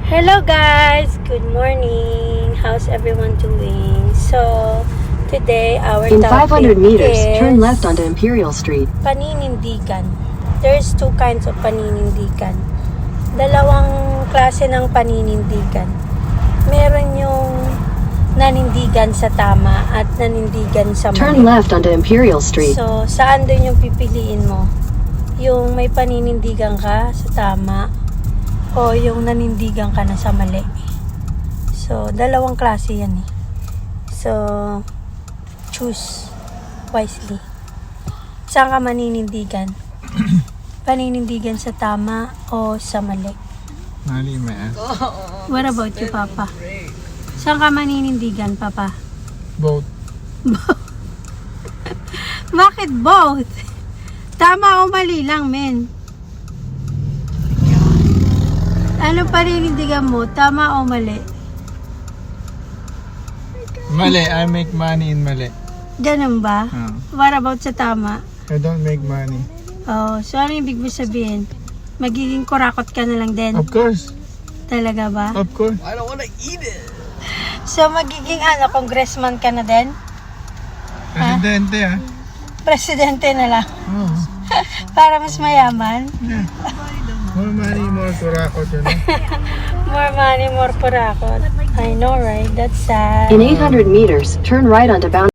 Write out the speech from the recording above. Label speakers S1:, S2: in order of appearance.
S1: Hello guys! Good morning! How's everyone doing? So, today our
S2: In
S1: topic
S2: 500 meters,
S1: is
S2: turn left onto Imperial Street.
S1: paninindigan. There's two kinds of paninindigan. Dalawang klase ng paninindigan. Meron yung nanindigan sa tama at nanindigan sa mali.
S2: Turn left onto Imperial Street.
S1: So, saan doon yung pipiliin mo? Yung may paninindigan ka sa tama o yung nanindigan ka na sa mali. So, dalawang klase yan eh. So, choose wisely. Saan ka maninindigan? Paninindigan sa tama o sa mali?
S3: Mali, man.
S1: What about you, Papa? Saan ka maninindigan, Papa?
S3: Both.
S1: Bakit both? Tama o mali lang, men? Ano paninindigan mo? Tama o mali?
S3: Mali. I make money in mali.
S1: Ganun ba? What about sa tama?
S3: I don't make money.
S1: Oh, so ano ibig mo sabihin? Magiging kurakot ka na lang din?
S3: Of course.
S1: Talaga ba?
S3: Of course.
S1: So magiging congressman ka na din?
S3: Presidente, ah.
S1: Presidente na lang?
S3: Oh.
S1: Para mas mayaman?
S3: Yeah. More money, more kurakot, you know?
S1: More money, more kurakot. I know, right? That's sad.
S2: In 800 meters, turn right onto Bound.